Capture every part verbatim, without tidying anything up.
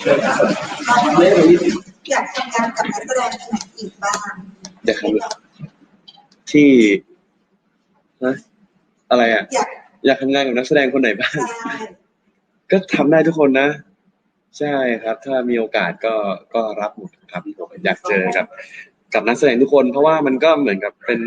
อยากทำงานกับนักแสดงคนไหนอีกบ้างอยากทำที่ฮะอะไรอ่ะอยากทำงานกับนักแสดงคนไหนบ้างก็ทำได้ทุกคนนะใช่ครับถ้ามีโอกาสก็ก็รับหมดครับผมอยากเจอกับกับนักแสดงทุกคนเพราะว่ามันก็เหมือนกับเป็น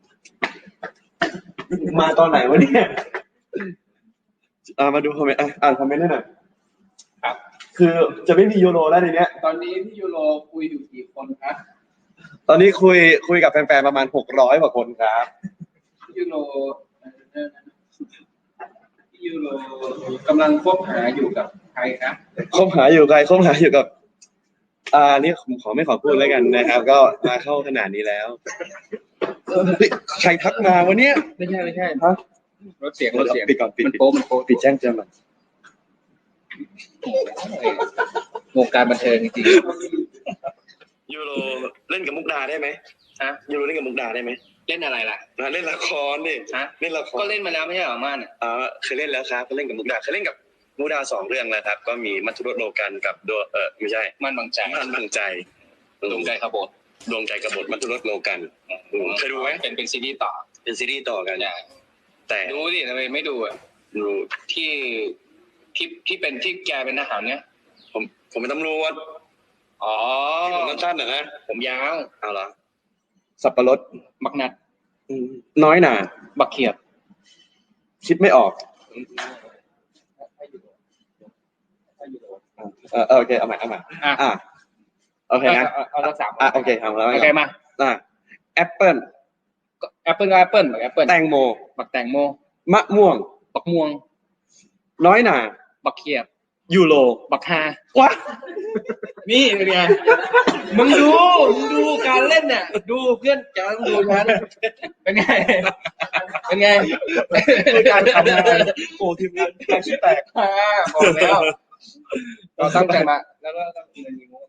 มาตอนไหนวะเนี่ยอ่ามาดูคอมเมนต์อ่านคอมเมนต์ให้หน่อยครับคือจะไม่มียูโรแล้วในเนี้ยตอนนี้พี่ยูโรคุยอยู่กี่คนครับตอนนี้คุยคุยกับแฟนๆประมาณหกร้อยกว่าคนครับพี่ยูโรพี่ยูโรกำลังคบหาอยู่กับใครครับคบหาอยู่ใครคบหาอยู่กับอ่านี่ผมขอไม่ขอพูดแล้วกันนะครับก็มาเข้าขนาดนี้แล้วใครทักมาวันนี้ไม่ใช่ไม่ใช่ฮะรถเสียงรถเสียงปิดก่อนปิดมันโป๊มันโป๊ปิดแจ้งเตือนมันวงการบันเทิงจริงยูโรเล่นกับมุกดาได้ไหมฮะยูโรเล่นกับมุกดาได้ไหมเล่นอะไรล่ะเล่นละครดิฮะเล่นละครก็เล่นมาแล้วไม่ใช่หรอม่านอ่ะอ๋อเคยเล่นแล้วครับก็เล่นกับมุกดาเคยเล่นกับมุกดาสองเรื่องแล้วครับก็มีมัทุรสโลกันกับดวงเออไม่ใช่ม่านบางใจม่านบางใจดวงใจขบฏดวงใจขบฏมัทุรสโลกันเคยดูไหมเป็นเป็นซีรีส์ต่อเป็นซีรีส์ต่อกันแต่ดูดิทำไมไม่ดูอ่ะดูที่ที่ที่เป็นที่แกเป็นทหารเนี่ยผมผมเป็นตำรวจอ๋อผมสั้นๆนะผมยาวเอาเหรอสับปะรดบักนัดน้อยหนาบักเขียบคิดไม่ออกเออโอเคเอาใหม่เอาใหม่อ่ะโอเคนะเอาสักสามอ่ะโอเคทำแล้วโอเคมาอ่ะแอปเปิ้ลแอปเปิ้ลก็แอปเปิ้ลบักแอปเปิ้ลแตงโมบักแตงโมมะม่วงบักม่วงน้อยหนาบักเขียบยูโรบักฮาว้านี่เป็นไงมึงดูมึงดูการเล่นเนี่ยดูเพื่อนจะต้องดูฉันเป็นไงเป็นไงการทำงานโอ้ทีมงานการชี้แตกบอกแล้วเราตั้งใจมาแล้วก็ต้องเงินมีมุก